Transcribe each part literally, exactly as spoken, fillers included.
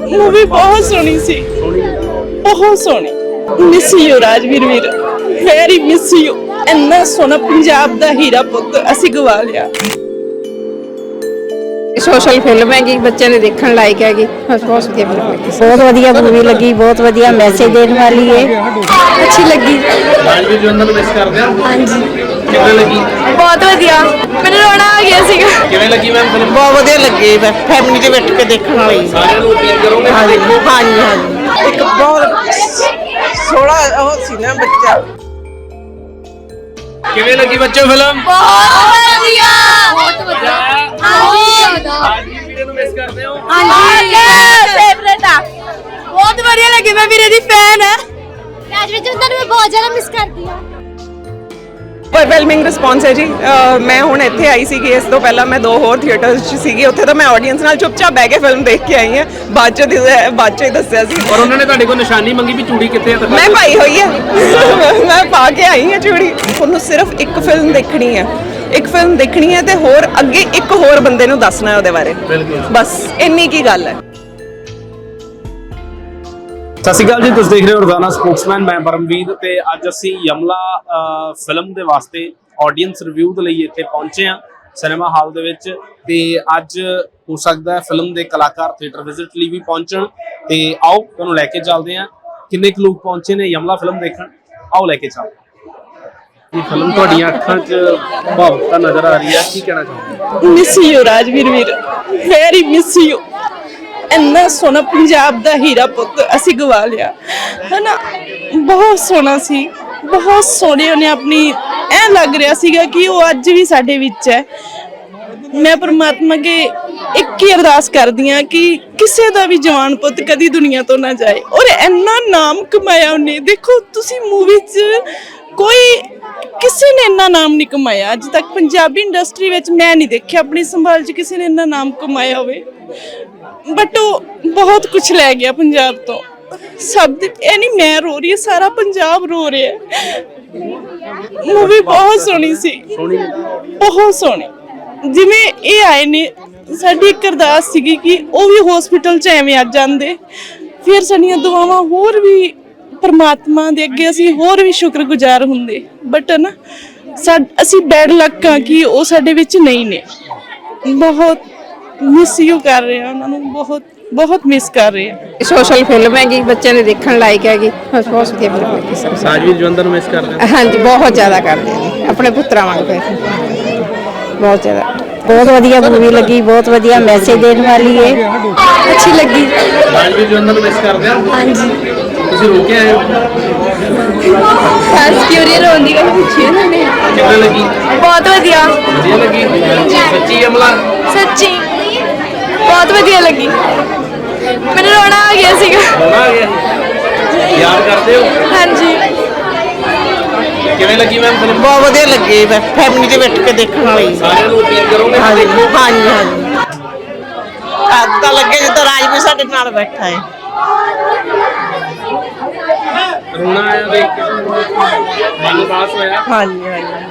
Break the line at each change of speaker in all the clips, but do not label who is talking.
Movie बहुत सोहनी सी, बहुत सोहनी। मिस यू राजवीर वीर, वेरी मिस यू। इन्ना सोहना पंजाब दा हीरा पुत्त असी गवा लिया।
सोशल फिल्म हैगी, बच्चे ने देखने लायक हैगी, बस बहुत वधिया फिल्म लगी, बहुत वधिया मूवी लगी, बहुत वधिया मैसेज देने वाली है, अच्छी लगी।
राजवीर जवंदा ਨੂੰ ਮਿਸ ਕਰਦੇ ਹਾਂ।
ਹਾਂਜੀ
ਕਿਵੇਂ ਲੱਗੀ?
ਬਹੁਤ ਵਧੀਆ, ਮੈਨੂੰ ਰੋਣਾ ਆ ਗਿਆ ਸੀਗਾ।
ਕਿਵੇਂ ਲੱਗੀ ਮੈਮ ਫਿਲਮ?
ਬਹੁਤ ਵਧੀਆ ਲੱਗੀ, ਫੈਮਿਲੀ ਦੇ ਬੈਠ ਕੇ ਦੇਖਣ ਵਾਲੀ।
ਸਾਰਿਆਂ ਨੂੰ ਅਪੀਲ ਕਰੋਗੇ?
ਹਾਂਜੀ ਹਾਂਜੀ ਹਾਂਜੀ, ਇੱਕ ਬਹੁਤ ਸੋਹਣਾ ਉਹ ਸੀ ਨਾ ਬੱਚਾ।
ਕਿਵੇਂ ਲੱਗੀ ਬੱਚੋ ਫਿਲਮ?
ਬਹੁਤ ਵਧੀਆ, ਬਹੁਤ ਵਧੀਆ। ਹਾਂਜੀ
ਰਾਜਵੀਰ ਵੀਰੇ ਨੂੰ ਮਿਸ ਕਰਦੇ ਹੋ?
ਹਾਂਜੀ ਫੇਵਰੇਟ ਆ, ਬਹੁਤ ਵਧੀਆ ਲੱਗੀ, ਮੈਂ ਵੀਰੇ ਦੀ ਫੈਨ ਆ।
ਰਾਜਵੀਰ ਜਵੰਦਾ ਨੂੰ ਮੈਂ ਬਹੁਤ ਜ਼ਿਆਦਾ ਮਿਸ ਕਰਦੀ ਹਾਂ।
ਓਵਰਵੈਲਮਿੰਗ ਰਿਸਪੌਂਸ ਹੈ ਜੀ। ਮੈਂ ਹੁਣ ਇੱਥੇ ਆਈ ਸੀਗੀ, ਇਸ ਤੋਂ ਪਹਿਲਾਂ ਮੈਂ ਦੋ ਹੋਰ ਥੀਏਟਰਸ 'ਚ ਸੀਗੀ, ਉੱਥੇ ਤਾਂ ਮੈਂ ਆਡੀਅנס ਨਾਲ ਚੁੱਪਚਾਪ ਬਹਿ ਕੇ ਫਿਲਮ ਦੇਖ ਕੇ ਆਈ ਹਾਂ। ਬਾਅਦ 'ਚ ਬਾਅਦ 'ਚ ਹੀ ਦੱਸਿਆ ਸੀ।
ਔਰ ਉਹਨਾਂ ਨੇ ਤੁਹਾਡੇ ਕੋਲ ਨਿਸ਼ਾਨੀ ਮੰਗੀ ਵੀ ਚੂੜੀ ਕਿੱਥੇ ਆ?
ਮੈਂ ਪਾਈ ਹੋਈ ਹੈ, ਮੈਂ ਪਾ ਕੇ ਆਈ ਹਾਂ ਚੂੜੀ। ਉਹਨੂੰ ਸਿਰਫ ਇੱਕ ਫਿਲਮ ਦੇਖਣੀ ਹੈ, ਇੱਕ ਫਿਲਮ ਦੇਖਣੀ ਹੈ ਤੇ ਹੋਰ ਅੱਗੇ ਇੱਕ ਹੋਰ ਬੰਦੇ ਨੂੰ ਦੱਸਣਾ ਹੈ ਉਹਦੇ ਬਾਰੇ, ਬਸ ਇੰਨੀ ਕੀ ਗੱਲ ਹੈ।
ਸਤਿ ਸ਼੍ਰੀ ਅਕਾਲ ਜੀ, ਤੁਸੀਂ ਦੇਖ ਰਹੇ ਹੋ ਰੋਜ਼ਾਨਾ ਸਪੋਕਸਮੈਨ। ਮੈਂ ਪਰਮਵੀਰ ਤੇ ਅੱਜ ਅਸੀਂ ਯਮਲਾ ਫਿਲਮ ਦੇ ਵਾਸਤੇ ਆਡੀਅנס ਰਿਵਿਊ ਦੇ ਲਈ ਇੱਥੇ ਪਹੁੰਚੇ ਹਾਂ ਸਿਨੇਮਾ ਹਾਲ ਦੇ ਵਿੱਚ। ਤੇ ਅੱਜ ਹੋ ਸਕਦਾ ਹੈ ਫਿਲਮ ਦੇ ਕਲਾਕਾਰ ਥੀਏਟਰ ਵਿਜ਼ਿਟ ਲਈ ਵੀ ਪਹੁੰਚਣ, ਤੇ ਆਓ ਤੁਹਾਨੂੰ ਲੈ ਕੇ ਚੱਲਦੇ ਹਾਂ। ਕਿੰਨੇ ਕੁ ਲੋਕ ਪਹੁੰਚੇ ਨੇ ਯਮਲਾ ਫਿਲਮ ਦੇਖਣ, ਆਓ ਲੈ ਕੇ ਚੱਲਦੇ ਹਾਂ। ਇਹ ਫਿਲਮ ਤੁਹਾਡੀਆਂ ਅੱਖਾਂ 'ਚ ਭਾਵੁਕਤਾ ਨਜ਼ਰ ਆ ਰਹੀ ਹੈ, ਕੀ ਕਹਿਣਾ ਚਾਹੁੰਦੇ?
ਮਿਸ ਯੂ ਰਾਜਵੀਰ ਵੀਰ, ਵੈਰੀ ਮਿਸ ਯੂ। ਇੰਨਾ ਸੋਹਣਾ ਪੰਜਾਬ ਦਾ ਹੀਰਾ ਪੁੱਤ ਅਸੀਂ ਗਵਾ ਲਿਆ ਹੈ ਨਾ। ਬਹੁਤ ਸੋਹਣਾ ਸੀ, ਬਹੁਤ ਸੋਹਣੇ ਉਹਨੇ ਆਪਣੀ, ਐਂ ਲੱਗ ਰਿਹਾ ਸੀਗਾ ਕਿ ਉਹ ਅੱਜ ਵੀ ਸਾਡੇ ਵਿੱਚ ਹੈ। ਮੈਂ ਪਰਮਾਤਮਾ ਅੱਗੇ ਇੱਕ ਹੀ ਅਰਦਾਸ ਕਰਦੀ ਹਾਂ ਕਿ ਕਿਸੇ ਦਾ ਵੀ ਜਵਾਨ ਪੁੱਤ ਕਦੀ ਦੁਨੀਆ ਤੋਂ ਨਾ ਜਾਏ। ਔਰ ਇੰਨਾ ਨਾਮ ਕਮਾਇਆ ਉਹਨੇ, ਦੇਖੋ ਤੁਸੀਂ ਮੂਵੀ 'ਚ ਕੋਈ ਕਿਸੇ ਨੇ ਇੰਨਾ ਨਾਮ ਨਹੀਂ ਕਮਾਇਆ ਅੱਜ ਤੱਕ ਪੰਜਾਬੀ ਇੰਡਸਟਰੀ ਵਿੱਚ। ਮੈਂ ਨਹੀਂ ਦੇਖਿਆ ਆਪਣੀ ਸੰਭਾਲ 'ਚ ਕਿਸੇ ਨੇ ਇੰਨਾ ਨਾਮ ਕਮਾਇਆ ਹੋਵੇ, ਬਟ ਉਹ ਬਹੁਤ ਕੁਝ ਲੈ ਗਿਆ ਪੰਜਾਬ ਤੋਂ। ਸਭ ਦੇ, ਇਹ ਨਹੀਂ ਮੈਂ ਰੋ ਰਹੀ, ਸਾਰਾ ਪੰਜਾਬ ਰੋ ਰਿਹਾ। ਮੂਵੀ ਬਹੁਤ ਸੋਹਣੀ ਸੀ, ਬਹੁਤ ਸੋਹਣੀ। ਜਿਵੇਂ ਇਹ ਆਏ ਨੇ, ਸਾਡੀ ਇੱਕ ਅਰਦਾਸ ਸੀਗੀ ਕਿ ਉਹ ਵੀ ਹਸਪੀਟਲ 'ਚ ਐਵੇਂ ਆ ਜਾਂਦੇ, ਫਿਰ ਸਾਡੀਆਂ ਦੁਆਵਾਂ ਹੋਰ ਵੀ ਪਰਮਾਤਮਾ ਦੇ ਅੱਗੇ ਅਸੀਂ ਹੋਰ ਵੀ ਸ਼ੁਕਰਗੁਜ਼ਾਰ ਹੁੰਦੇ। ਬਟ ਨਾ ਅਸੀਂ ਬੈਡ ਲੱਕ ਆ ਕਿ ਉਹ ਸਾਡੇ ਵਿੱਚ ਨਹੀਂ ਨੇ। ਬਹੁਤ ਮਿਸ ਯੂ ਕਰ ਰਹੇ ਆ ਉਹਨਾਂ ਨੂੰ, ਬਹੁਤ ਬਹੁਤ ਮਿਸ ਕਰ ਰਹੇ ਆ।
ਸੋਸ਼ਲ ਫਿल्म हैगी, बच्चे ने देखने लायक हैगी, बस बहुत वधिया फिल्म लगी सब।
ਰਾਜਵੀਰ ਜਵੰਦਾ ਨੂੰ ਮਿਸ ਕਰਦੇ ਹੋ?
हाँ जी बहुत ज़्यादा करते हैं, अपने पुत्रा वांग पे बहुत ज़्यादा। बहुत वधिया मूवी लगी, बहुत वधिया मैसेज देने वाली है, अच्छी लगी।
ਰਾਜਵੀਰ ਜਵੰਦਾ ਨੂੰ ਮਿਸ ਕਰਦੇ ਹੋ?
हाँ जी
ਤੁਸੀਂ ਰੋ ਕੇ ਆਏ ਹੋ?
बस क्यों नहीं रोंदी गल पूछी उन्होंने।
ਕਿਵੇਂ ਲੱਗੀ?
बहुत वधिया,
ਵਧੀਆ ਲੱਗੀ? ਸੱਚੀ ਯਮਲਾ?
सच्ची बहुत वधिया लगी, मैंने रोना आ गया सीगा।
ਰੋਣਾ ਆ ਗਿਆ? ਯਾਦ ਕਰਦੇ ਹੋ?
हाँ जी
ਕਿਵੇਂ ਲੱਗੀ ਮੈਮ ਫਿਲਮ?
ਬਹੁਤ ਵਧੀਆ ਲੱਗੀ, ਫੈਮਿਲੀ ਦੇ ਬੈਠ ਕੇ ਦੇਖਣ ਵਾਲੀ।
ਸਾਰਿਆਂ ਨੂੰ ਅਪੀਲ ਕਰੋਗੇ?
ਹਾਂਜੀ ਹਾਂਜੀ ਹਾਂਜੀ, ਅੱਜ ਤਾਂ ਲੱਗੇ ਜਿੱਦਾਂ ਰਾਜਵੀਰ ਸਾਡੇ ਨਾਲ ਬੈਠਾ ਹੈ।
ਰੋਣਾ ਆਇਆ ਦੇਖ ਕੇ? ਮਨ ਉਦਾਸ ਹੋਇਆ?
ਹਾਂਜੀ ਹਾਂਜੀ,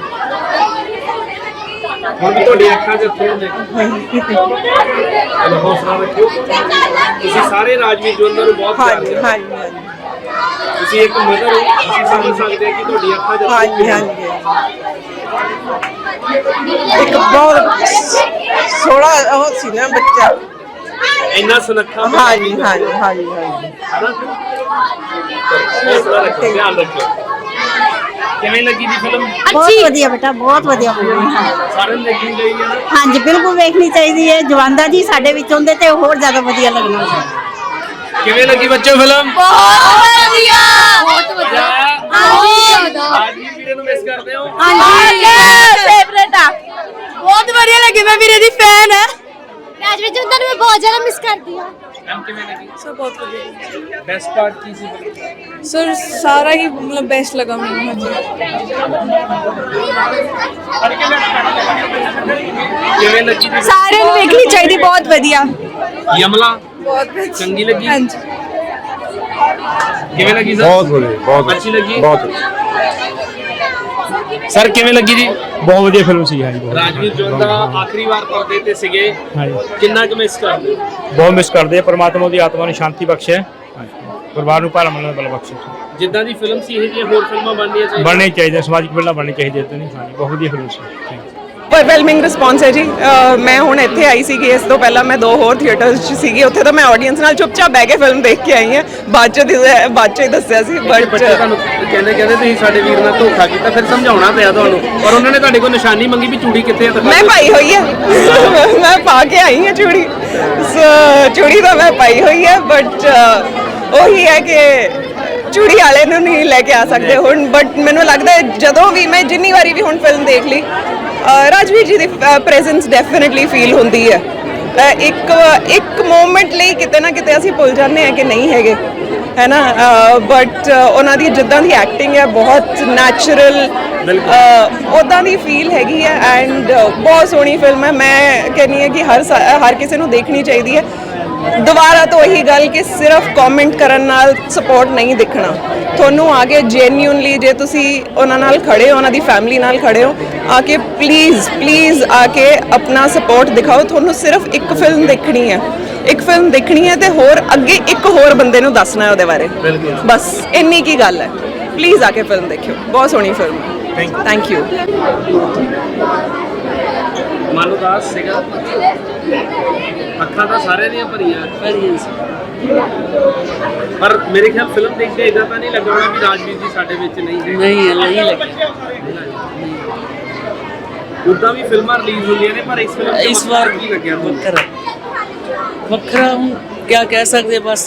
ਹੁਣ ਵੀ ਤੁਹਾਡੀ ਅੱਖਾਂ 'ਚ ਅੱਥਰੂ ਨੇ? ਚਲੋ ਹੌਸਲਾ ਰੱਖਿਓ। ਤੁਸੀਂ ਸਾਰੇ ਰਾਜਵੀਰ ਜਵੰਦਾ ਨੂੰ ਬਹੁਤ ਪਿਆਰ
ਹਾਂਜੀ
ਕਰਦੇ
ਹਾਂਜੀ
ਹੋ।
ਹਾਂਜੀ
ਤੁਸੀਂ ਇੱਕ ਮਦਰ ਹੋ, ਤੁਸੀਂ ਸਮਝ ਸਕਦੇ ਹੋ ਕਿ ਤੁਹਾਡੀ ਅੱਖਾਂ 'ਚ
ਹਾਂਜੀ ਹਾਂਜੀ, ਇੱਕ ਬਹੁਤ ਸੋਹਣਾ ਉਹ ਸੀ ਨਾ ਬੱਚਾ।
ਇੰਨਾ ਸੁਨੱਖਾ।
ਹਾਂਜੀ ਹਾਂਜੀ ਹਾਂਜੀ ਹਾਂਜੀ,
ਹੌਸਲਾ ਰੱਖੋ, ਧਿਆਨ ਰੱਖਿਓ। ਕਿਵੇਂ ਲੱਗੀ ਦੀ ਫਿਲਮ?
ਬਹੁਤ ਵਧੀਆ ਬੇਟਾ, ਬਹੁਤ ਵਧੀਆ ਫਿਲਮ ਹੈ।
ਸਾਰਿਆਂ ਨੂੰ ਦੇਖਣੀ ਚਾਹੀਦੀ ਹੈ ਨਾ?
ਹਾਂਜੀ ਬਿਲਕੁਲ ਵੇਖਣੀ ਚਾਹੀਦੀ ਹੈ। ਜਵੰਦਾ ਜੀ ਸਾਡੇ ਵਿੱਚ ਹੁੰਦੇ ਤੇ ਹੋਰ ਜ਼ਿਆਦਾ ਵਧੀਆ ਲੱਗਣਾ ਸੀ।
ਕਿਵੇਂ ਲੱਗੀ ਬੱਚੋ ਫਿਲਮ?
बहुत वधिया, बहुत वधिया।
ਰਾਜਵੀਰ ਵੀਰੇ ਨੂੰ ਮਿਸ ਕਰਦੇ ਹੋ?
ਹਾਂਜੀ ਫੇਵਰੇਟ ਆ, ਬਹੁਤ ਵਧੀਆ ਲੱਗੀ, ਮੈਂ ਵੀਰੇ ਦੀ ਫੈਨ ਆ।
ਰਾਜਵੀਰ ਜਵੰਦਾ ਨੂੰ ਮੈਂ ਬਹੁਤ ਜ਼ਿਆਦਾ ਮਿਸ ਕਰਦੀ ਹਾਂ।
ਮੈਮ ਕਿਵੇਂ ਲੱਗੀ?
ਸਭ ਬਹੁਤ ਵਧੀਆ
ਬੈਸਟ ਪਾਰਟ ਕੀ ਸੀ ਫਿਲਮ?
ਸਰ, ਸਾਰਾ ਹੀ ਮਤਲਬ ਬੈਸਟ ਲਗਾ ਮੈਨੂੰ।
ਕਿਵੇਂ ਲੱਗੀ ਦੀ?
ਸਾਰਿਆਂ ਨੂੰ ਵੇਖਣੀ ਚਾਹੀਦੀ, ਬਹੁਤ ਵਧੀਆ।
ਯਮਲਾ
ਬਹੁਤ
ਚੰਗੀ ਲੱਗੀ?
ਹਾਂਜੀ
ਕਿਵੇਂ ਲੱਗੀ ਸਰ?
बहुत बढ़िया, बहुत
अच्छी लगी?
बहुत अच्छी।
ਸਰ ਕਿਵੇਂ ਲੱਗੀ ਜੀ?
ਬਹੁਤ ਵਧੀਆ ਫਿਲਮ ਸੀ ਹਾਂਜੀ ਬਹੁਤ
ਰਾਜਵੀਰ ਜਵੰਦਾ ਆਖਰੀ ਵਾਰ ਪਰਦੇ ਤੇ ਸੀਗੇ,
ਹਾਂਜੀ
ਕਿੰਨਾ ਕੁ ਮਿਸ ਕਰਦੇ?
ਬਹੁਤ ਮਿਸ ਕਰਦੇ ਆ। ਪਰਮਾਤਮਾ ਦੀ ਆਤਮਾ ਨੂੰ ਸ਼ਾਂਤੀ ਬਖਸ਼ੇ, ਪਰਿਵਾਰ ਨੂੰ ਭਾਰਾ ਮੰਨਣ ਵਾਲਾ ਬਖਸ਼ੇ।
ਜਿੱਦਾਂ ਦੀ ਫਿਲਮ ਸੀ ਇਹ ਜਿਹੀਆਂ ਹੋਰ ਫਿਲਮਾਂ ਬਣਨੀਆਂ ਚਾਹੀਦੀਆਂ।
ਬਣਨੀ ਚਾਹੀਦੀ, ਸਮਾਜਿਕ ਫਿਲਮਾਂ ਬਣਨੀ ਚਾਹੀਦੀਆਂ ਤੇ ਨਹੀਂ। ਹਾਂਜੀ ਬਹੁਤ ਵਧੀਆ ਫਿਲਮ ਸੀ।
ਓਵਰਵੈਲਮਿੰਗ ਰਿਸਪੌਂਸ ਹੈ ਜੀ। ਅਹ ਮੈਂ ਹੁਣ ਇੱਥੇ ਆਈ ਸੀਗੀ, ਇਸ ਤੋਂ ਪਹਿਲਾਂ ਮੈਂ ਦੋ ਹੋਰ ਥੀਏਟਰਸ 'ਚ ਸੀਗੀ, ਉੱਥੇ ਤਾਂ ਮੈਂ ਆਡੀਅנס ਨਾਲ ਚੁੱਪਚਾਪ ਬਹਿ ਕੇ ਫਿਲਮ ਦੇਖ ਕੇ ਆਈ ਹਾਂ। ਬਾਅਦ 'ਚ ਦਿ- ਬਾਅਦ 'ਚ ਹੀ ਦੱਸਿਆ ਸੀ ਬਟ
ਬੱਚੇ ਤੁਹਾਨੂੰ ਕਹਿੰਦੇ ਕਹਿੰਦੇ ਤੁਸੀਂ ਸਾਡੇ ਵੀਰ ਨਾਲ ਧੋਖਾ ਕੀਤਾ, ਫਿਰ ਸਮਝਾਉਣਾ ਪਿਆ ਤੁਹਾਨੂੰ, ਪਰ ਉਹਨਾਂ ਨੇ ਤੁਹਾਡੇ ਕੋਲ ਨਿਸ਼ਾਨੀ ਮੰਗੀ ਵੀ ਚੂੜੀ ਕਿੱਥੇ ਹੈ?
ਮੈਂ ਪਾਈ ਹੋਈ ਹੈ ਮੈਂ ਪਾ ਕੇ ਆਈ ਹਾਂ ਚੂੜੀ। ਸੋ ਚੂੜੀ ਤਾਂ ਮੈਂ ਪਾਈ ਹੋਈ ਹੈ ਬਟ ਉਹੀ ਹੈ ਕਿ ਚੂੜੀ ਵਾਲੇ ਨੂੰ ਨਹੀਂ ਲੈ ਕੇ ਆ ਸਕਦੇ ਹੁਣ। ਬਟ ਮੈਨੂੰ ਲੱਗਦਾ ਹੈ ਜਦੋਂ ਵੀ ਮੈਂ ਜਿੰਨੀ ਵਾਰੀ ਵੀ ਹੁਣ ਫਿਲਮ ਦੇਖ ਲਈ, ਅਹ ਰਾਜਵੀਰ ਜੀ ਦੀ ਪ੍ਰੈਜ਼ੈਂਸ ਡੈਫੀਨਿਟਲੀ ਫੀਲ ਹੁੰਦੀ ਹੈ। ਅਹ ਇੱਕ ਇੱਕ ਮੂਮੈਂਟ ਲਈ ਕਿਤੇ ਨਾ ਕਿਤੇ ਅਸੀਂ ਭੁੱਲ ਜਾਂਦੇ ਹਾਂ ਕਿ ਨਹੀਂ ਹੈਗੇ, ਹੈ ਨਾ। ਬਟ ਉਹਨਾਂ ਦੀ ਜਿੱਦਾਂ ਦੀ ਐਕਟਿੰਗ ਹੈ ਬਹੁਤ ਨੈਚੁਰਲ, ਉੱਦਾਂ ਦੀ ਫੀਲ ਹੈਗੀ ਹੈ ਐਂਡ ਬਹੁਤ ਸੋਹਣੀ ਫਿਲਮ ਹੈ। ਮੈਂ ਕਹਿੰਦੀ ਹਾਂ ਕਿ ਹਰ ਸਾ- ਹਰ ਕਿਸੇ ਨੂੰ ਦੇਖਣੀ ਚਾਹੀਦੀ ਹੈ। ਦੁਬਾਰਾ ਤੋਂ ਇਹੀ ਗੱਲ ਕਿ ਸਿਰਫ ਕਮੈਂਟ ਕਰਨ ਨਾਲ ਸਪੋਰਟ ਨਹੀਂ ਦਿਖਣਾ, ਤੁਹਾਨੂੰ ਆ ਕੇ ਜੈਨੂਇਨਲੀ ਜੇ ਤੁਸੀਂ ਉਹਨਾਂ ਨਾਲ ਖੜੇ ਹੋ, ਉਹਨਾਂ ਦੀ ਫੈਮਿਲੀ ਨਾਲ ਖੜੇ ਹੋ, ਆ ਕੇ ਪਲੀਜ਼ ਪਲੀਜ਼ ਆ ਕੇ ਆਪਣਾ ਸਪੋਰਟ ਦਿਖਾਓ। ਤੁਹਾਨੂੰ ਸਿਰਫ ਇੱਕ ਫਿਲਮ ਦੇਖਣੀ ਹੈ, ਇੱਕ ਫਿਲਮ ਦੇਖਣੀ ਹੈ ਤੇ ਹੋਰ ਅੱਗੇ ਇੱਕ ਹੋਰ ਬੰਦੇ ਨੂੰ ਦੱਸਣਾ ਹੈ ਉਹਦੇ ਬਾਰੇ, ਬਸ ਇੰਨੀ ਕੀ ਗੱਲ ਹੈ। ਪਲੀਜ਼ ਆ ਕੇ ਫਿਲਮ ਦੇਖਿਓ, ਬਹੁਤ ਸੋਹਣੀ ਫਿਲਮ ਹੈ। Thank you.
ਮਨ ਉਦਾਸ ਸੀਗਾ, ਅੱਖਾਂ ਤਾਂ ਸਾਰਿਆਂ ਦੀਆਂ ਭਰੀਆਂ ਭਰੀਆਂ ਸੀ, ਪਰ ਮੇਰੇ ਖਿਆਲ ਫਿਲਮ ਦੇਖ ਕੇ ਇਦਾਂ ਤਾਂ ਨਹੀਂ ਲੱਗਾ ਹੋਣਾ ਵੀ ਰਾਜਵੀਰ ਜੀ ਸਾਡੇ ਵਿੱਚ ਨਹੀਂ ਹੈ।
ਨਹੀਂ ਨਹੀਂ ਲੱਗੀ
ਉਦਾਂ ਵੀ ਫਿਲਮਾਂ ਰਿਲੀਜ਼ ਹੁੰਦੀਆਂ ਨੇ, ਪਰ ਇਸ ਫਿਲਮ ਤੇ
ਇਸ ਵਾਰ
ਕੀ ਲੱਗਿਆ ਤੁਹਾਨੂੰ?
ਵੱਖਰਾ ਵੱਖਰਾ ਹੁਣ ਕੀ ਕਹਿ ਸਕਦੇ ਬਸ।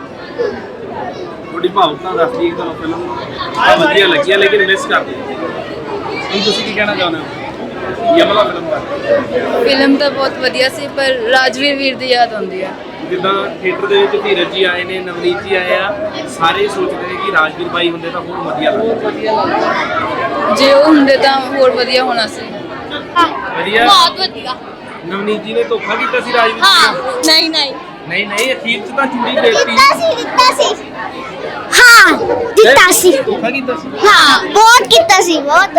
ਥੋੜੀ ਭਾਵੁਕਤਾ ਦੱਸਦੀ ਹੈ ਤੁਹਾਨੂੰ ਫਿਲਮ ਆ ਵਧੀਆ ਲੱਗੀ ਹੈ ਲੇਕਿਨ ਮਿਸ ਕਰਦੇ ਹੁਣ ਤੁਸੀਂ ਕੀ ਕਹਿਣਾ ਚਾਹੁੰਦੇ ਹੋ ਯਮਲਾ ਫਿਲਮ ਬਾਰੇ?
ਫਿਲਮ ਤਾਂ ਬਹੁਤ ਵਧੀਆ ਸੀ ਪਰ ਰਾਜਵੀਰ ਵੀਰ ਦੀ ਯਾਦ ਆਉਂਦੀ ਆ।
ਜਿੱਦਾਂ ਥੀਏਟਰ ਦੇ ਵਿੱਚ ਧੀਰਜ ਜੀ ਆਏ ਨੇ, ਨਵਨੀਤ ਜੀ ਆਏ ਆ, ਸਾਰੇ ਸੋਚਦੇ ਨੇ ਕਿ ਰਾਜਵੀਰ ਬਾਈ ਹੁੰਦੇ ਤਾਂ ਹੋਰ ਵਧੀਆ ਲੱਗਦਾ।
ਜੇ ਉਹ ਹੁੰਦੇ ਤਾਂ ਹੋਰ ਵਧੀਆ ਹੋਣਾ ਸੀ।
ਵਧੀਆ
ਬਹੁਤ ਵਧੀਆ।
ਨਵਨੀਤ ਜੀ ਨੇ ਧੋਖਾ ਕੀਤਾ ਸੀ ਰਾਜਵੀਰ
ਹਾਂ
ਨਾਲ?
ਨਹੀਂ ਨਹੀਂ
ਨਹੀਂ ਨਹੀਂ ਅਖੀਰ ਚ ਤਾਂ ਚੂੜੀ ਦੇਤੀ।
ਦਿੱਤਾ ਸੀ ਦਿੱਤਾ ਸੀ ਹਾਂ ਦਿੱਤਾ ਸੀ
ਧੋਖਾ ਕੀਤਾ ਸੀ।
ਹਾਂ ਬਹੁਤ ਕੀਤਾ ਸੀ ਬਹੁਤ।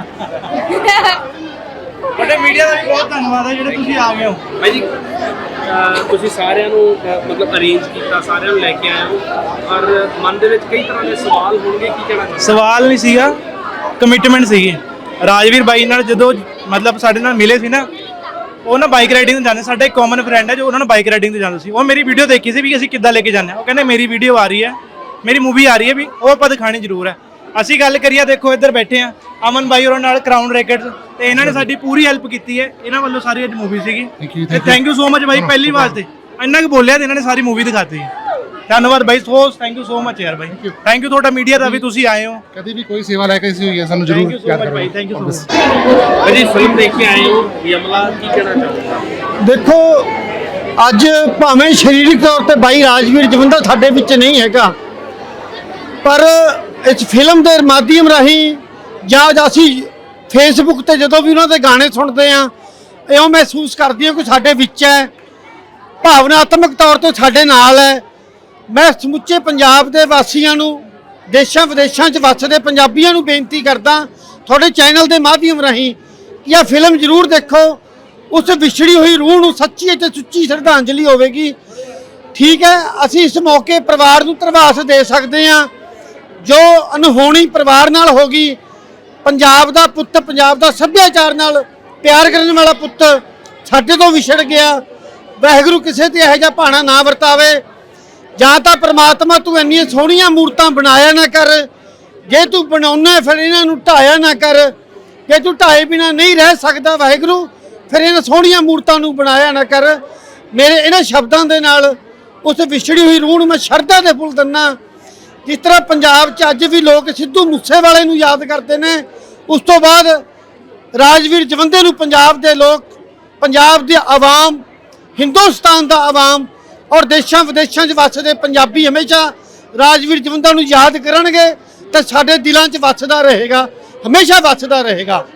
ਬੜੇ ਮੀਡੀਆ ਦਾ ਵੀ ਬਹੁਤ ਧੰਨਵਾਦ ਹੈ ਜਿਹੜੇ ਤੁਸੀਂ ਆ ਗਏ ਹੋ।
ਭਾਈ ਜੀ ਅਹ ਤੁਸੀਂ ਸਾਰਿਆਂ ਨੂੰ ਅਹ ਮਤਲਬ ਅਰੇਂਜ ਕੀਤਾ, ਸਾਰਿਆਂ ਨੂੰ ਲੈ ਕੇ ਆਏ ਹੋ, ਔਰ ਮਨ ਦੇ ਵਿੱਚ ਕਈ ਤਰ੍ਹਾਂ ਦੇ ਸਵਾਲ ਹੋਣਗੇ, ਕੀ ਕਹਿਣਾ ਚਾਹੁੰਦੇ?
ਸਵਾਲ ਨਹੀਂ ਸੀਗਾ, ਕਮਿਟਮੈਂਟ ਸੀਗੀ। ਰਾਜਵੀਰ ਬਾਈ ਨਾਲ ਜਦੋਂ ਮਤਲਬ ਸਾਡੇ ਨਾਲ ਮਿਲੇ ਸੀ ਨਾ, ਉਹ ਨਾ ਬਾਈਕ ਰਾਈਡਿੰਗ ਤੇ ਜਾਂਦੇ, ਸਾਡਾ ਇੱਕ ਕਾਮਨ ਫਰੈਂਡ ਹੈ ਜੋ ਉਹਨਾਂ ਨੂੰ ਬਾਈਕ ਰਾਈਡਿੰਗ ਤੇ ਜਾਂਦਾ ਸੀ। ਉਹ ਮੇਰੀ ਵੀਡੀਓ ਦੇਖੀ ਸੀ ਵੀ ਅਸੀਂ ਕਿੱਦਾਂ ਲੈ ਕੇ ਜਾਂਦੇ ਹਾਂ। ਉਹ ਕਹਿੰਦੇ ਮੇਰੀ ਵੀਡੀਓ ਆ ਰਹੀ ਹੈ, ਮੇਰੀ ਮੂਵੀ ਆ ਰਹੀ ਹੈ, ਵੀ ਉਹ ਆਪਾਂ ਦਿਖਾਣੀ ਜ਼ਰੂਰ ਹੈ। ਅਸੀਂ ਗੱਲ ਕਰੀਏ, ਦੇਖੋ ਇੱਧਰ ਬੈਠੇ ਆ ਅਮਨ ਬਾਈ ਉਹਨਾਂ ਨਾਲ ਕਰਾਊਨ ਰੈਕਟਸ, ਤੇ ਇਹਨਾਂ ਨੇ ਸਾਡੀ ਪੂਰੀ ਹੈਲਪ ਕੀਤੀ ਹੈ। ਇਹਨਾਂ ਵੱਲੋਂ ਸਾਰੀ ਅੱਜ ਮੂਵੀ ਸੀਗੀ ਤੇ ਥੈਂਕ ਯੂ ਸੋ ਮਚ ਬਾਈ। ਪਹਿਲੀ ਵਾਰ ਤੇ ਇੰਨਾ ਕੁ ਬੋਲਿਆ ਤੇ ਇਹਨਾਂ ਨੇ ਸਾਰੀ ਮੂਵੀ ਦਿਖਾਤੀ ਹੈ। ਧੰਨਵਾਦ ਬਾਈ, so thank you so much ਯਾਰ ਬਾਈ। ਥੈਂਕ ਯੂ ਤੁਹਾਡਾ ਮੀਡੀਆ ਦਾ ਵੀ, ਤੁਸੀਂ ਆਏ ਹੋ।
ਕਦੀ ਵੀ ਕੋਈ ਸੇਵਾ ਲੈ ਕੇ ਸੀ ਹੋਈ ਹੈ ਸਾਨੂੰ
ਥੈਂਕ
ਜ਼ਰੂਰ
ਯੂ ਸੋ
ਯਾਦ
ਮਚ
ਕਰੋ।
ਬਾਈ, ਥੈਂਕ ਯੂ ਸੋ ਮਚ।
ਭਾਈ ਜੀ ਫਿਲਮ ਦੇਖ ਕੇ ਆਏ ਹੋ ਯਮਲਾ, ਕੀ ਕਹਿਣਾ ਚਾਹੁੰਦੇ?
ਦੇਖੋ ਅੱਜ ਭਾਵੇਂ ਸਰੀਰਕ ਤੌਰ ਤੇ ਬਾਈ ਰਾਜਵੀਰ ਜਵੰਦਾ ਸਾਡੇ ਵਿੱਚ ਨਹੀਂ ਹੈਗਾ, ਪਰ ਇਸ ਫਿਲਮ ਦੇ ਮਾਧਿਅਮ ਰਾਹੀਂ ਜਾਂ ਅਸੀਂ ਫੇਸਬੁੱਕ ਤੇ ਜਦੋਂ ਵੀ ਉਹਨਾਂ ਦੇ ਗਾਣੇ ਸੁਣਦੇ ਆ, ਇਉਂ ਮਹਿਸੂਸ ਕਰਦੇ ਹਾਂ ਕਿ ਸਾਡੇ ਵਿੱਚ ਹੈ, ਭਾਵਨਾਤਮਕ ਤੌਰ ਤੇ ਸਾਡੇ ਨਾਲ ਹੈ। ਮੈਂ ਸਮੁੱਚੇ ਪੰਜਾਬ ਦੇ ਵਾਸੀਆਂ ਨੂੰ, ਦੇਸ਼ਾਂ ਵਿਦੇਸ਼ਾਂ 'ਚ ਵੱਸਦੇ ਪੰਜਾਬੀਆਂ ਨੂੰ ਬੇਨਤੀ ਕਰਦਾ ਤੁਹਾਡੇ ਚੈਨਲ ਦੇ ਮਾਧਿਅਮ ਰਾਹੀਂ ਕਿ ਇਹ ਫਿਲਮ ਜ਼ਰੂਰ ਦੇਖੋ। ਉਸ ਵਿਛੜੀ ਹੋਈ ਰੂਹ ਨੂੰ ਸੱਚੀ ਅਤੇ ਸੁੱਚੀ ਸ਼ਰਧਾਂਜਲੀ ਹੋਵੇਗੀ। ਠੀਕ ਹੈ, ਅਸੀਂ ਇਸ ਮੌਕੇ ਪਰਿਵਾਰ ਨੂੰ ਧਰਵਾਸ ਦੇ ਸਕਦੇ ਹਾਂ ਜੋ ਅਨਹੋਣੀ ਪਰਿਵਾਰ ਨਾਲ ਹੋ ਗਈ। ਪੰਜਾਬ ਦਾ ਪੁੱਤ, ਪੰਜਾਬ ਦਾ ਸੱਭਿਆਚਾਰ ਨਾਲ ਪਿਆਰ ਕਰਨ ਵਾਲਾ ਪੁੱਤ ਸਾਡੇ ਤੋਂ ਵਿਛੜ ਗਿਆ। ਵਾਹਿਗੁਰੂ ਕਿਸੇ ਤੇ ਇਹੋ ਜਿਹਾ ਭਾਣਾ ਨਾ ਵਰਤਾਵੇ। ਜਾਂ ਤਾਂ ਪ੍ਰਮਾਤਮਾ ਤੂੰ ਇੰਨੀਆਂ ਸੋਹਣੀਆਂ ਮੂਰਤਾਂ ਬਣਾਇਆ ਨਾ ਕਰ, ਜੇ ਤੂੰ ਬਣਾਉਣਾ ਫਿਰ ਇਹਨਾਂ ਨੂੰ ਢਾਇਆ ਨਾ ਕਰ। ਜੇ ਤੂੰ ਢਾਏ ਬਿਨਾ ਨਹੀਂ ਰਹਿ ਸਕਦਾ ਵਾਹਿਗੁਰੂ, ਫਿਰ ਇਹਨਾਂ ਸੋਹਣੀਆਂ ਮੂਰਤਾਂ ਨੂੰ ਬਣਾਇਆ ਨਾ ਕਰ। ਮੇਰੇ ਇਹਨਾਂ ਸ਼ਬਦਾਂ ਦੇ ਨਾਲ ਉਸ ਵਿਛੜੀ ਹੋਈ ਰੂਹ ਨੂੰ ਮੈਂ ਸ਼ਰਧਾ ਦੇ ਫੁੱਲ ਦਿੰਦਾ। ਜਿਸ ਤਰ੍ਹਾਂ ਪੰਜਾਬ 'ਚ ਅੱਜ ਵੀ ਲੋਕ ਸਿੱਧੂ ਮੂਸੇਵਾਲੇ ਨੂੰ ਯਾਦ ਕਰਦੇ ਨੇ, ਉਸ ਤੋਂ ਬਾਅਦ ਰਾਜਵੀਰ ਜਵੰਦੇ ਨੂੰ ਪੰਜਾਬ ਦੇ ਲੋਕ, ਪੰਜਾਬ ਦੀ ਆਵਾਮ, ਹਿੰਦੁਸਤਾਨ ਦਾ ਆਵਾਮ ਔਰ ਦੇਸ਼ਾਂ ਵਿਦੇਸ਼ਾਂ 'ਚ ਵੱਸਦੇ ਪੰਜਾਬੀ ਹਮੇਸ਼ਾ ਰਾਜਵੀਰ ਜਵੰਦਾ ਨੂੰ ਯਾਦ ਕਰਨਗੇ ਤੇ ਸਾਡੇ ਦਿਲਾਂ 'ਚ ਵੱਸਦਾ ਰਹੇਗਾ, ਹਮੇਸ਼ਾ ਵੱਸਦਾ ਰਹੇਗਾ।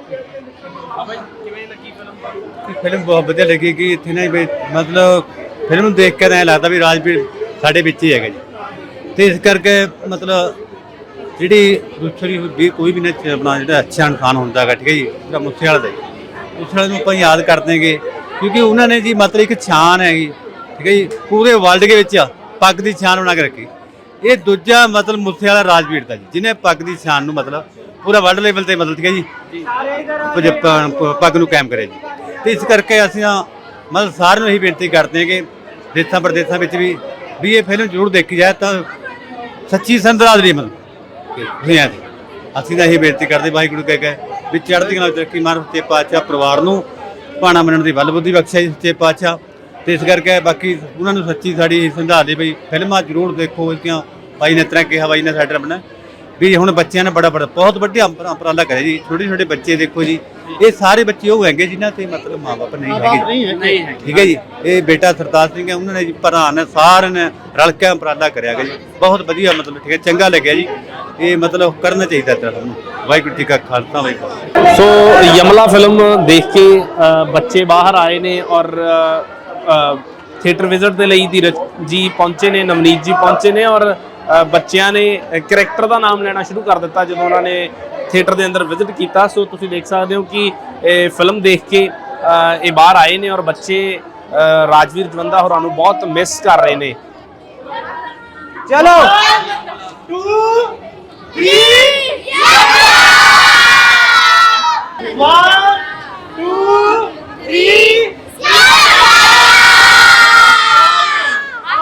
ਫਿਲਮ ਬਹੁਤ ਵਧੀਆ ਲੱਗੀ ਕਿ ਇੱਥੇ ਨਾ ਵੀ ਮਤਲਬ ਫਿਲਮ ਨੂੰ ਦੇਖ ਕੇ ਐਂ ਲੱਗਦਾ ਵੀ ਰਾਜਵੀਰ ਸਾਡੇ ਵਿੱਚ ਹੀ ਹੈਗਾ ਜੀ, ਤੇ ਇਸ ਕਰਕੇ ਮਤਲਬ
ਜਿਹੜੀ ਦੂਸਰੀ ਵੀ ਕੋਈ ਵੀ ਨਾ ਆਪਣਾ ਜਿਹੜਾ ਅੱਛਾ ਇਨਸਾਨ ਹੁੰਦਾ ਹੈਗਾ, ਠੀਕ ਹੈ ਜੀ, ਜਿਹੜਾ ਮੂਸੇਵਾਲਾ ਦਾ ਜੀ, ਮੂਸੇਵਾਲੇ ਨੂੰ ਆਪਾਂ ਯਾਦ ਕਰਦੇ ਹੈਗੇ ਕਿਉਂਕਿ ਉਹਨਾਂ ਨੇ ਜੀ ਮਤਲਬ ਇੱਕ ਛਾਨ ਹੈਗੀ, ਠੀਕ ਹੈ ਜੀ, ਪੂਰੇ ਵਰਲਡ ਦੇ ਵਿੱਚ ਪੱਗ ਦੀ ਛਾਨ ਬਣਾ ਕੇ ਰੱਖੀ। ਇਹ ਦੂਜਾ ਮਤਲਬ ਮੂਸੇਵਾਲਾ ਰਾਜਵੀਰ ਦਾ ਜੀ, ਜਿਹਨੇ ਪੱਗ ਦੀ ਛਾਨ ਨੂੰ ਮਤਲਬ ਪੂਰਾ ਵਰਲਡ ਲੈਵਲ ਤੇ ਮਤਲਬ, ਠੀਕ ਹੈ ਜੀ, ਪੱਗ ਨੂੰ ਕਾਇਮ ਕਰਿਆ ਜੀ। ਤੇ ਇਸ ਕਰਕੇ ਅਸੀਂ ਮਤਲਬ ਸਾਰਿਆਂ ਨੂੰ ਇਹੀ ਬੇਨਤੀ ਕਰਦੇ ਹਾਂ ਕਿ ਦੇਸ਼ਾਂ ਪ੍ਰਦੇਸ਼ਾਂ ਵਿੱਚ ਵੀ ਵੀ ਇਹ ਫਿਲਮ ਜ਼ਰੂਰ ਦੇਖੀ ਜਾਏ ਤਾਂ ਸੱਚੀ ਸੰਦਰਾਦਰੀ ਮਤਲਬ ਦੁਨੀਆ ਦੀ। ਅਸੀਂ ਤਾਂ ਇਹੀ ਬੇਨਤੀ ਕਰਦੇ ਵਾਹਿਗੁਰੂ ਕਹਿ ਕੇ ਵੀ ਚੜ੍ਹਦੀ ਕਲਾ ਤਰੱਕੀ ਮਾਰ ਸੱਚੇ ਪਾਤਸ਼ਾਹ ਪਰਿਵਾਰ ਨੂੰ ਭਾਣਾ ਮੰਨਣ ਦੀ ਬਲ ਬੁੱਧੀ ਬਖਸ਼ਿਆ ਜੀ ਸੱਚੇ ਪਾਤਸ਼ਾਹ। ਤੇ ਇਸ ਕਰਕੇ ਬਾਕੀ ਉਹਨਾਂ ਨੂੰ ਸੱਚੀ ਸਾਡੀ ਸੰਧਾਰ ਦੇ ਬਈ ਫਿਲਮਾਂ ਜ਼ਰੂਰ ਦੇਖੋ। ਇਸਦੀਆਂ ਬਾਈ ਨੇ ਤਰ੍ਹਾਂ ਕਿਹਾ, ਬਾਈ ਨੇ ਸਾਡੇ ਆਪਣਾ ਵੀ ਹੁਣ ਬੱਚਿਆਂ ਨੇ ਬੜਾ ਬੜਾ ਬਹੁਤ ਵੱਡਾ ਉਪਰਾਲਾ ਕਰਿਆ ਜੀ। ਛੋਟੇ ਛੋਟੇ ਬੱਚੇ ਦੇਖੋ ਜੀ, ਇਹ ਸਾਰੇ ਬੱਚੇ ਉਹ ਹੈਗੇ ਜਿਨ੍ਹਾਂ ਤੇ ਮਤਲਬ ਮਾਂ ਬਾਪ ਨਹੀਂ ਹੈਗੇ, ਠੀਕ ਹੈ ਜੀ। ਇਹ ਬੇਟਾ ਸਰਤਾਜ ਸਿੰਘ ਹੈ, ਉਹਨਾਂ ਨੇ ਜੀ ਭਰਾ ਨੇ ਸਾਰਿਆਂ ਨੇ ਰਲ ਕੇ ਉਪਰਾਲਾ ਕਰਿਆ ਗਿਆ ਜੀ, ਬਹੁਤ ਵਧੀਆ ਮਤਲਬ, ਠੀਕ ਹੈ, ਚੰਗਾ ਲੱਗਿਆ ਜੀ। ਇਹ ਮਤਲਬ ਕਰਨਾ ਚਾਹੀਦਾ ਇਸ ਤਰ੍ਹਾਂ ਨੂੰ। ਵਾਹਿਗੁਰੂ ਜੀ ਕਾ ਖਾਲਸਾ ਵਾਹਿਗੁਰੂ।
ਸੋ ਯਮਲਾ ਫਿਲਮ ਦੇਖ ਕੇ ਅ, ਬੱਚੇ ਬਾਹਰ ਆਏ ਨੇ ਔਰ ਥੀਏਟਰ ਵਿਜ਼ਿਟ ਦੇ ਲਈ ਧੀਰਜ ਜੀ ਪਹੁੰਚੇ ਨੇ, ਨਵਨੀਤ ਜੀ ਪਹੁੰਚੇ ਨੇ ਔਰ ਅ, ਬੱਚਿਆਂ ਨੇ ਕਰੈਕਟਰ ਦਾ ਨਾਮ ਲੈਣਾ ਸ਼ੁਰੂ ਕਰ ਦਿੱਤਾ ਜਦੋਂ ਉਹਨਾਂ ਨੇ ਥੀਏਟਰ ਦੇ ਅੰਦਰ ਵਿਜ਼ਿਟ ਕੀਤਾ। ਸੋ ਤੁਸੀਂ ਦੇਖ ਸਕਦੇ ਹੋ ਕਿ ਇਹ ਫਿਲਮ ਦੇਖ ਕੇ ਅ, ਇਹ ਬਾਹਰ ਆਏ ਨੇ ਔਰ ਬੱਚੇ ਅ, ਰਾਜਵੀਰ ਜਵੰਦਾ ਹੋਰਾਂ ਨੂੰ ਬਹੁਤ ਮਿਸ ਕਰ ਰਹੇ ਨੇ। ਚਲੋ ਟੂ ਥ੍ਰੀ